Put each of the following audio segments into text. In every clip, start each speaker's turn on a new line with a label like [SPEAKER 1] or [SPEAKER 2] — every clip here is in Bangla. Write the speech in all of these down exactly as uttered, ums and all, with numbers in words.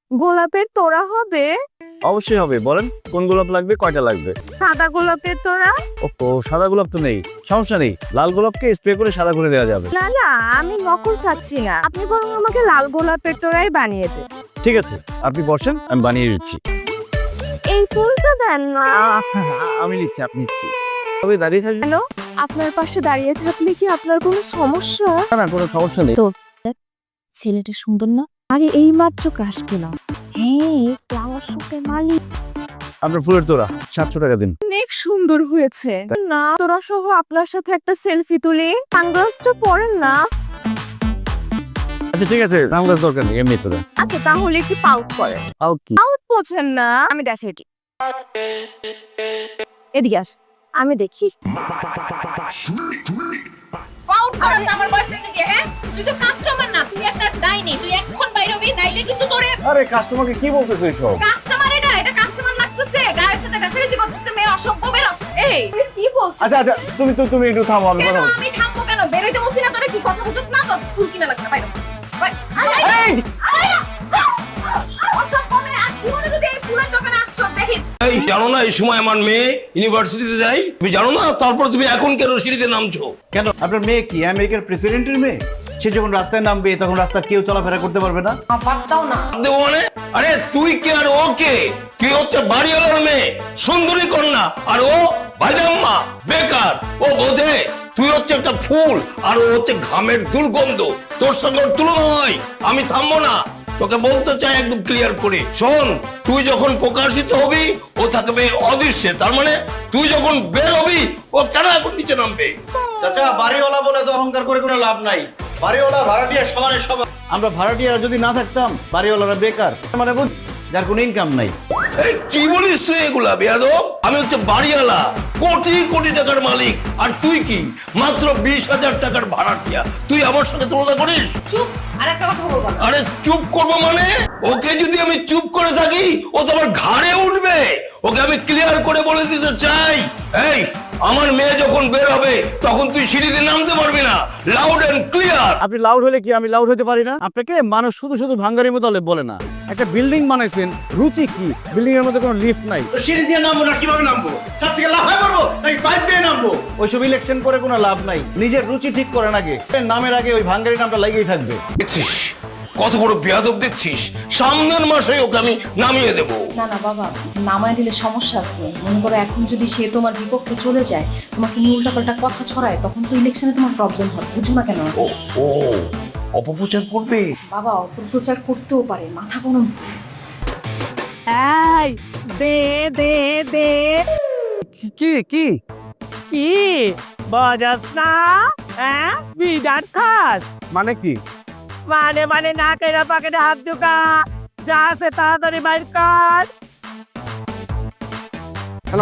[SPEAKER 1] গোলাপের তোড়া হবে?
[SPEAKER 2] অবশ্যই হবে, বলেন কোন গোলাপ লাগবে, কয়টা লাগবে?
[SPEAKER 1] সাদা গোলাপের তোড়া?
[SPEAKER 2] ও সাদা গোলাপ তো নেই, সমস্যা নেই, লাল গোলাপকে স্প্রে করে সাদা করে দেওয়া যাবে।
[SPEAKER 1] না না, আমি নকল চাচ্ছি না, আপনি বরং আমাকে লাল গোলাপের তোড়াই বানিয়ে দেন।
[SPEAKER 2] ঠিক আছে, আপনি বসেন, আমি বানিয়ে দিচ্ছি।
[SPEAKER 1] এই ফুলটা দেন না।
[SPEAKER 2] আমি নিচ্ছি, আপনি নিচ্ছি। তবে দাঁড়িয়ে থাকবেন।
[SPEAKER 1] হ্যালো, আপনার পাশে দাঁড়িয়ে থাকলে কি আপনার কোনো সমস্যা?
[SPEAKER 2] না না, কোনো সমস্যা নেই।
[SPEAKER 1] ছেলেটা সুন্দর না? আরে এই মাত্র ক্রাশ পেলাম। হ্যাঁ, ফ্লাওয়ার শপের মালিক।
[SPEAKER 2] আপনার ফুলের তোড়া সাতশো টাকা দিন।
[SPEAKER 1] অনেক সুন্দর হয়েছে না? তোরা সহ আপনার সাথে একটা সেলফি তুলি। সানগ্লাসটা পরেন না?
[SPEAKER 2] আচ্ছা ঠিক আছে, সানগ্লাস দরকার নেই, এমনি তোরা।
[SPEAKER 1] আচ্ছা তাহলে একটু পাউট করেন।
[SPEAKER 2] আও কি?
[SPEAKER 1] পাউট বোঝেন না? আমি দেখাই দিই। এদিকে আস, আমি দেখি।
[SPEAKER 3] পাউট করাস আমার বয়ফ্রেন্ডকে দিয়ে, হ্যাঁ? তুই তো কাস্টমার না, তুই একটা ডাইনি। তুই এখন বাইরে হবি, নাইলে কিন্তু তোরে
[SPEAKER 2] আরে কাস্টমারকে কি বলতেছো এইসব?
[SPEAKER 3] কাস্টমার এটা, এটা কাস্টমার লাগতেছে। গায়ের সাথে ঘাসাঘাসি করতেছে, মেয়ে অসভ্য বেরো। এই, কি বলছিস?
[SPEAKER 2] আচ্ছা আচ্ছা, তুমি তো তুমি একটু থামো, আমি
[SPEAKER 3] কেন
[SPEAKER 2] কথা বলছি।
[SPEAKER 3] আমি থামবো কেন? বেরোইতে বলছি না তোরে, কি কথা বুঝছ না? তোর ফুল কিনা লাগবে না, বাইরে হ। বাই।
[SPEAKER 2] এই!
[SPEAKER 3] অসভ্য মেয়ে, আর জীবনে যদি এই ফুলের দোকানে আসছো দেখিস।
[SPEAKER 4] এই জানো না এই সময় আমার মেয়ে ইউনিভার্সিটিতে যায়, তুমি জানো না? তারপর তুমি এখন কেন সিঁড়িতে নামছো?
[SPEAKER 2] কেন আপনার মেয়ে কি আমেরিকার প্রেসিডেন্টের মেয়ে? সে যখন রাস্তায় নামবে তখন রাস্তা কেউ চলাফেরা করতে পারবে না।
[SPEAKER 3] বাদ দাও না।
[SPEAKER 4] দেবো মানে? আরে তুই কে আর ও কে? তুই হচ্ছে বাড়িওয়ালার মেয়ে, সুন্দরী কন্যা, আর ও ভাইজাম্মা বেকার। ও বোঝে তুই হচ্ছে একটা ফুল আর ও হচ্ছে ঘামের দুর্গন্ধ। তোর সঙ্গে ওর তুলনা হয়। আমি থামবো না, তোকে বলতে চাই একদম ক্লিয়ার করে শোন। তুই যখন প্রকাশিত হবি ও থাকবে অদৃশ্যে, তার মানে তুই যখন বের হবি ও কেন এখন নিচে নামবে?
[SPEAKER 2] চাচা, বাড়িওয়ালা বলে তো অহংকার করে কোনো লাভ নাই। বাড়িওয়ালা ভাড়াটিয়া সমানে সমান। আমরা ভাড়াটিয়ারা যদি না থাকতাম, বাড়িওয়ালারা বেকার, মানে বুঝ, যার কোনো ইনকাম নাই।
[SPEAKER 4] এই কি বলিস তুই এগুলা বেয়াদব? আমি হচ্ছে বাড়িওয়ালা, কোটি কোটি টাকার মালিক, আর তুই কি মাত্র বিশ হাজার টাকার ভাড়াটিয়া। তুই আমার সঙ্গে তুলনা করিস?
[SPEAKER 3] চুপ, আর একটা কথা বলবো না।
[SPEAKER 4] আরে চুপ করবো মানে? ওকে যদি আমি চুপ করে থাকি ও তো আমার ঘাড়ে উঠবে। ওকে আমি ক্লিয়ার করে বলে দিতে চাই, এই আমার মেয়ে যখন বের হবে তখন তুই সিঁড়িতে নামতে পারবি না। Loud and clear.
[SPEAKER 2] আপনি লাউড হলে কি আমি লাউড হতে পারি না? আপনাকে মানুষ শুধু শুধু ভাঙ্গারির মতো বলে না। একটা বিল্ডিং বানাইছেন, রুচি কি? বিল্ডিং এর মধ্যে কোনো লিফট নাই।
[SPEAKER 5] সিঁড়ি দিয়ে নামবো না, কিভাবে নামবো? ছাদ থেকে লাফায় পড়বো নাকি পাইপ দিয়ে নামবো?
[SPEAKER 2] ওইসব ইলেকশন করে কোনো লাভ নাই। নিজের রুচি ঠিক করেন আগে, নামের আগে ওই ভাঙ্গারি নামটা লাগেই থাকবে।
[SPEAKER 4] দেখছিস কত বড় বেয়াদব দেখছিস? সামনের মাসে ওকে আমি নামিয়ে দেবো।
[SPEAKER 6] না না বাবা, নামায় দিলে সমস্যা আছে। মনে করো এখন যদি সে তোমার বিপক্ষে চলে যায়, তোমাকে নিয়ে উল্টাপাল্টা কথা ছড়ায়, তখন তো ইলেকশনে তোমার প্রবলেম হবে। বুঝো না কেন?
[SPEAKER 4] ও ও অপপ্রচার করবে।
[SPEAKER 6] বাবা অপপ্রচার করতেও পারে, মাথা গরম তো।
[SPEAKER 7] এই দে দে দে
[SPEAKER 2] কি কি
[SPEAKER 7] কি বাজাস না? হ্যাঁ, বিরাট খাস
[SPEAKER 2] মানে কি?
[SPEAKER 7] মানে মানে না কেনা পাকেটে হাত ঢুকা, যা আছে তাড়াতাড়ি বাইর কর।
[SPEAKER 2] Hello,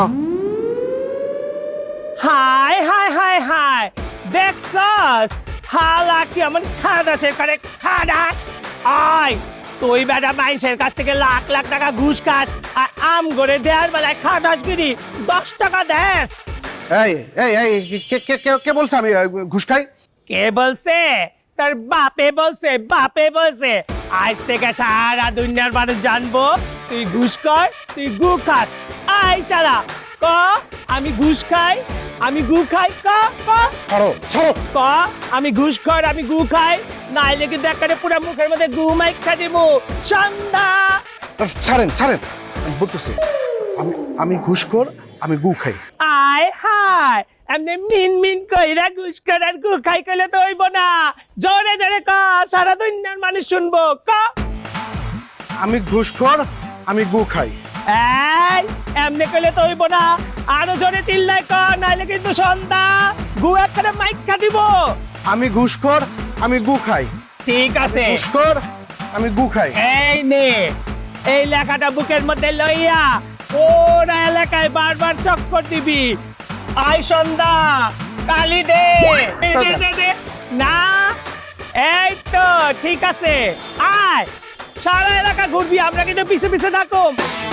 [SPEAKER 7] hi hi hi hi, দেখছস হালা কেমন খাদাসের করে খাদাস। আয় তুই বেটা মাইসের কাছ থেকে লাখ লাখ টাকা ঘুষ খাস, আর আম করে দেওয়ার বেলায় খাদাস গিরি দশ টাকা দেস।
[SPEAKER 5] এই এই এই কে কে কে কে বলছে আমি আহ, ঘুষ খাই?
[SPEAKER 7] কে বলছে? তার বাপে বলছে, বাপে বলছে। আজ থেকে সারা দুনিয়ার মানুষ জানবো তুই ঘুষ কর, তুই গু খাস। আই শালা ক আমি ঘুষ খাই, আমি গু খাই, ক ক
[SPEAKER 5] ছাড়ো ছাড়ো।
[SPEAKER 7] ক আমি ঘুষ খর, আমি গু খাই, নাইলে কিন্তু একেবারে পুরো মুখের মধ্যে গু মাইখা দিমু। সন্ধ্যা
[SPEAKER 5] ছাড়েন ছাড়েন, আমি বলতেছি আমি আমি ঘুষখোর, আমি গু খাই।
[SPEAKER 7] আয় হায়, এমনি মিন মিন কইরা ঘুষ কর আর গু খাই কইলে তো হইব না। জোরে জোরে ক, সারা দুনিয়ার মানুষ শুনবো, ক।
[SPEAKER 5] আমি ঘুষখোর, আমি গু খাই।
[SPEAKER 7] এই এমনি কইলে তো হইব না, আরো জোরে চিল্লাই ক, নাইলে কিন্তু সন্ধ্যা গু একেবারে মাইখা দিব।
[SPEAKER 5] আমি ঘুষখোর, আমি গু খাই।
[SPEAKER 7] ঠিক আছে,
[SPEAKER 5] ঘুষখোর, আমি গু খাই।
[SPEAKER 7] এই নে এই লেখাটা বুকের মধ্যে লইয়া ওরা এলাকায় বারবার চক্কর দিবি। আই সন্ধ্যা কালি দে দে, দে, দে, দে। না এই তো ঠিক আছে, আয় সারা এলাকা ঘুরবি, আমরা কিন্তু পিছে পিছে থাকো।